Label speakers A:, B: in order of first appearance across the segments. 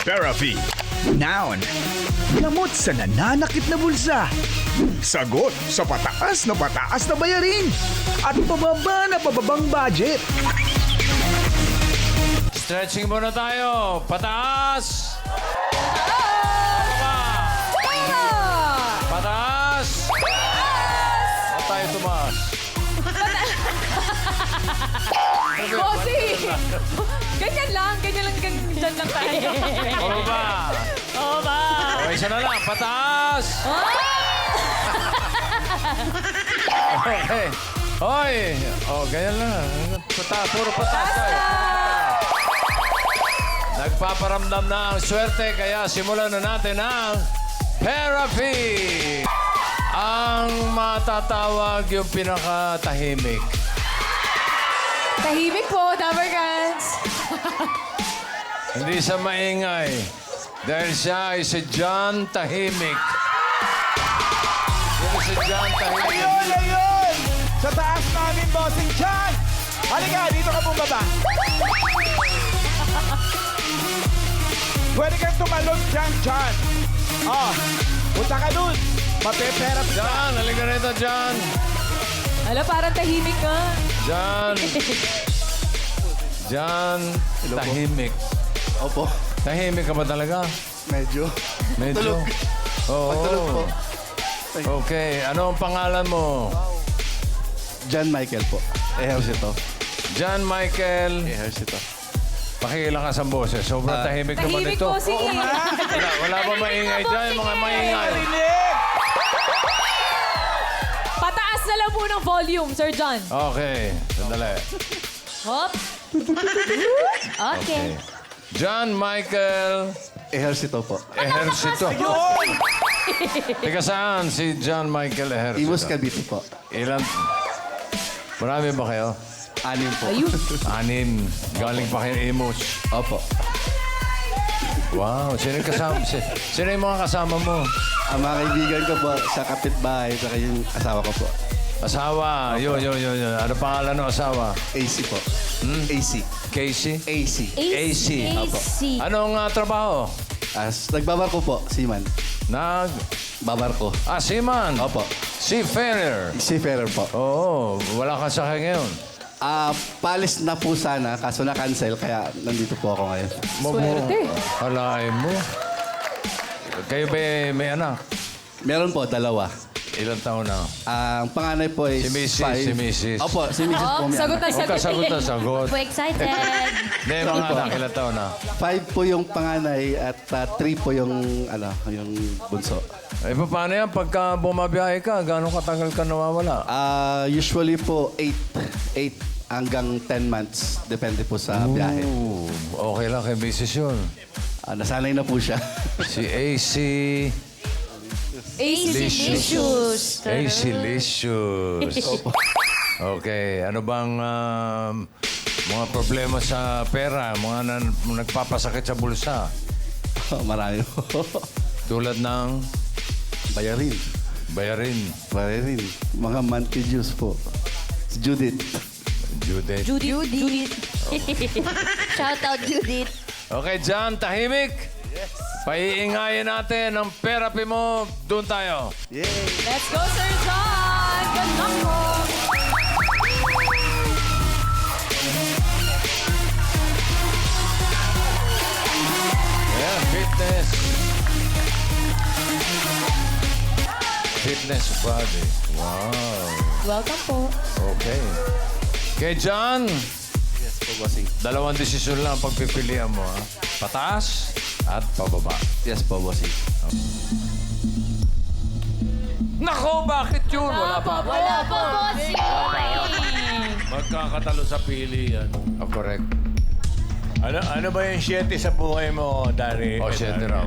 A: Therapy. Noun. Gamot sa nananakit na bulsa. Sagot sa pataas na bayarin. At pababang budget.
B: Stretching muna tayo. Pataas. Pababa. Pataas. At tayo tumaas.
C: Bossy! Ganyan lang, dyan lang tayo.
B: Pababa.
C: Oo ba?
B: Okay, isa na lang. Pataas. Okay. Hoy. Oh, ganyan lang. Puro pataas tayo. Nagpaparamdam na ang swerte, kaya simulan na natin ang therapy. Ang matatawag yung pinakatahimik.
C: Tahimik po, Dabarkans.
B: Hindi sa maingay. Dahil siya ay si John Tahimik. Sino si John Tahimik?
D: Ayun! Sa taas namin, Bossing Chan! Halika, dito ka bumaba. Pwede kang tumalon dyan, Chan. Oh, punta ka dun. Mapeperap ka.
B: John, halika rito, John.
C: Ala, parang tahimik ka.
B: John. John Tahimik.
E: Opo,
B: Tahimik ka ba talaga?
E: medyo.
B: Medyo. Oo.
E: Pagtulog po.
B: Okay, ano ang pangalan mo?
E: John Michael po. Ehersito.
B: John Michael.
E: Ehersito.
B: Pakiilang ka sa boses. Sobrang tahimik naman
C: Tahimik
B: ito.
C: po, sige.
B: Wala ba maingay dyan? Mga maingay.
D: Rinig!
C: Pataas na lang po ng volume, Sir John.
B: Okay, sandali.
C: Hop. Okay.
B: John Michael
E: Ehersito po.
B: Ehersito.
D: Yun!
B: Teka saan si John Michael Ehersito?
E: Imus Cavite po.
B: Ilan? Marami ba kayo?
E: 6 po.
C: Ayun.
B: 6. Galing pa kayo Imus.
E: Opo.
B: Wow, sino yung kasama? Sino yung mga kasama mo?
E: Ang mga kaibigan ko po sa kapitbahay, saka yung asawa ko po.
B: Asawa. Yun. Ano pangalan ng asawa?
E: AC po. AC.
B: Casey?
E: AC.
B: AC.
E: Opo.
B: Anong trabaho?
E: Nagbabarko po, seaman. Babarko.
B: Seaman.
E: Opo.
B: Seafarer.
E: Seafarer po.
B: Oo, wala ka sakay ngayon.
E: Palis na po sana, kaso na-cancel, kaya nandito po ako ngayon.
C: Swerte.
B: Halain mo. Kayo ba may anak?
E: Meron po, 2.
B: Ilang taon na?
E: Ang panganay po is
B: Si Mrs.,
E: 5.
B: si Mrs..
E: Opo, si Mrs. po.
C: Oh,
E: may
C: sagot
E: anak.
C: na
B: Huwag ka
C: sagot.
B: sagot na sagot.
F: Po excited.
B: Hindi, mga anak, ilang taon na?
E: 5 po yung panganay at 3 po yung bunso.
B: Eh, paano yan? Pagka bumabiyahe ka, gano'ng katagal ka nawawala?
E: Usually po 8 hanggang 10 months. Depende po sa biyahe.
B: Ooh, okay lang kay Mrs. yun.
E: Nasanay na po siya.
B: Si AC...
C: AC
F: Licious.
B: AC Licious. Okay, ano bang mga problema sa pera? Mga nagpapasakit sa bulsa?
E: Marami po.
B: Tulad ng
E: Bayarin.
B: bayarin,
E: Bayarin. Mga monthly dues po. Si Judith.
B: Judith.
F: Judith. Shout out Judith.
B: Okay, John, tahimik. Paiingayin natin ang therapy mo. Doon tayo.
E: Yay!
C: Let's go, Sir John. Good luck po.
B: Yeah, fitness. Fitness body. Wow.
C: Welcome po.
B: Okay. Okay, John.
E: Yes po, bossing.
B: 2 desisyon lang ang pagpipilian mo. Ha? Pataas at pababa.
E: Yes po, bossing.
B: Nako, bakit yun? Wala pa.
F: Wala po, bossy.
B: Magkakatalo sa pili yan. Oh, correct.
G: Ano ba yung 7 sa buhay mo, Dari?
B: O, 7 raw.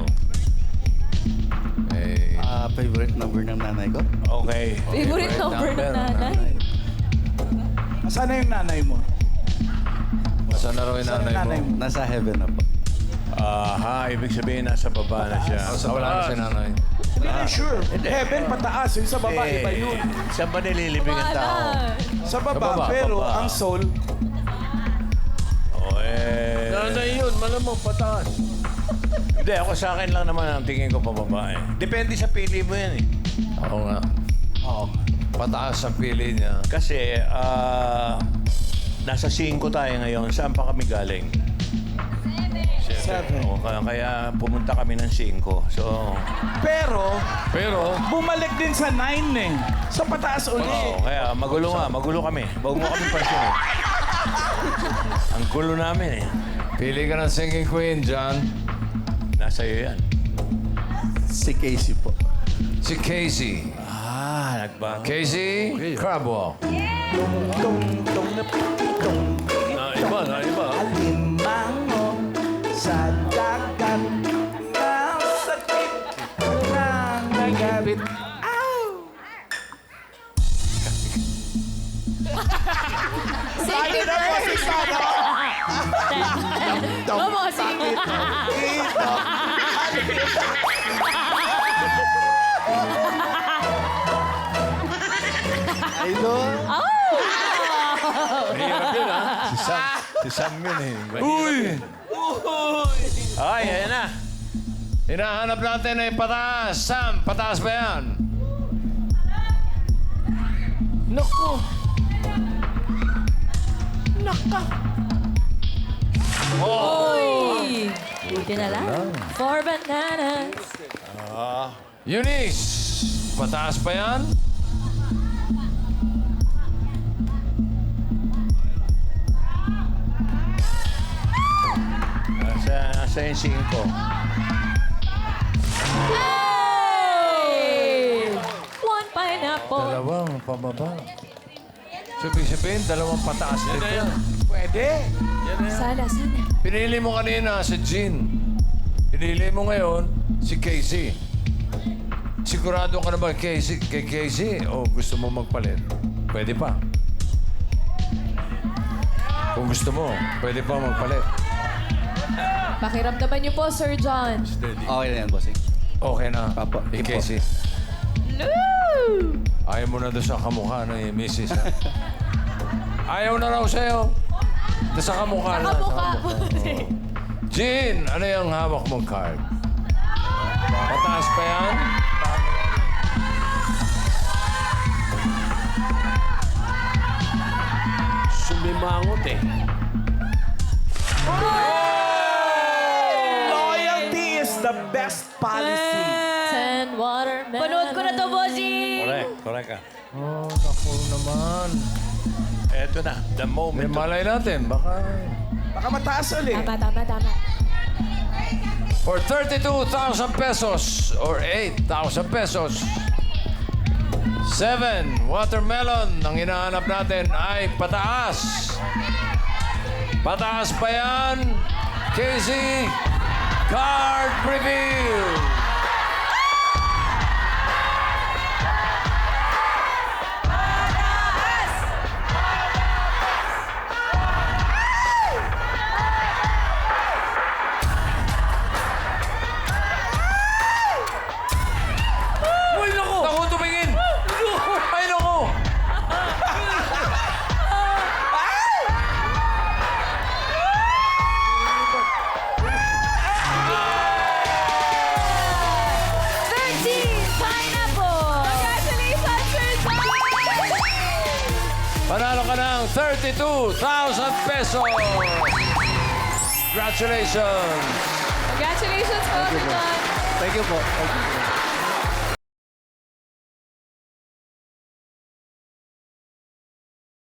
B: Eh,
E: Favorite number ng nanay ko?
G: Okay.
C: Favorite number ng nanay.
D: Asan na yung nanay mo?
B: saan na raw yung
D: Asan ang
B: nanay
D: nanay
B: mo?
D: mo?
E: Nasa heaven na po.
G: Aha, ibig sabihin nasa baba na siya.
B: Wala na si nanay.
D: Hindi na sure. Heaven, pataas. Yung sa baba, iba yun.
G: Saan ba nililibing ang tao?
D: Sa baba,
B: baba,
D: pero
G: baba.
D: ang soul,
G: Oh, eh.
B: Nanay yun, malamang pataas.
G: Hindi, ako sa akin lang naman ang tingin ko pababa eh. Depende sa pili mo yan eh.
B: Oo nga.
G: Oo.
B: Pataas ang pili niya.
G: Kasi, nasa 5 tayo ngayon. Saan pa kami galing? 7. Kaya pumunta kami ng 5. So,
D: Pero,
B: Pero,
D: bumalik din sa 9 eh. Sa pataas uli.
G: kaya magulo kami. Huwag mo kami pansinin. Ang gulo namin eh.
B: pili ka ng singing queen, John.
G: Nasa iyo yan.
E: Si Casey po.
B: Si Casey.
G: Nagbago.
B: Casey Crabwell.
G: Na iba.
D: Alimango sa dagat na sakit ng nagabit.
C: Safety first. Mamosing.
E: Idol!
G: Mahirap yun ha. Si Sam yun eh.
B: Uy!
G: Ay, ayan na.
B: Hinahanap natin ay pataas. Sam, pataas ba yan?
D: Naku!
C: Uy! Buti na lang. 4 bananas.
B: Eunice, pataas pa yan?
G: Nasa yung 5.
C: Hey! 1 pineapple.
B: Dalawang pababa. Sabihin, dalawang pataas dito.
D: Pwede.
C: Sana.
B: Pinili mo kanina si Jean. Pinili mo ngayon si Casey. Sigurado ka na ba kay Casey o gusto mo magpalit? Pwede pa. Kung gusto mo, pwede pa magpalit.
C: Pakiramdaman niyo po, Sir John.
E: Okay na yan, bossing.
B: Okay na.
E: Papa.
B: Eh, Casey.
C: Loo!
B: Ayaw mo na doon sa kamukha ni Mrs. ha? Ayaw na raw sa'yo. Doon sa kamukha na.
C: Kamukha po.
B: Jean, ano yung hawak mong card? Pataas pa yan?
G: Sumimangot eh.
D: Loyalty is the best policy.
C: 10 watermelon.
F: Panood ko na to, bossy.
G: Correct ka.
B: Oh, naku naman.
G: Eto na, the
B: May
G: moment.
B: malay natin. Baka...
D: Baka mataas ulit.
C: Tama.
B: For 32,000 pesos or 8,000 pesos. 7 watermelon ang hinahanap natin ay pataas. Pataas pa yan. Casey, card reveal. Uy, naku! Naku, tumingin! Ay, naku!
C: Congratulations, Sir John!
B: Panalo ka ng 32,000 pesos! Congratulations!
C: Congratulations po, Sir John!
E: Thank you po. Thank you.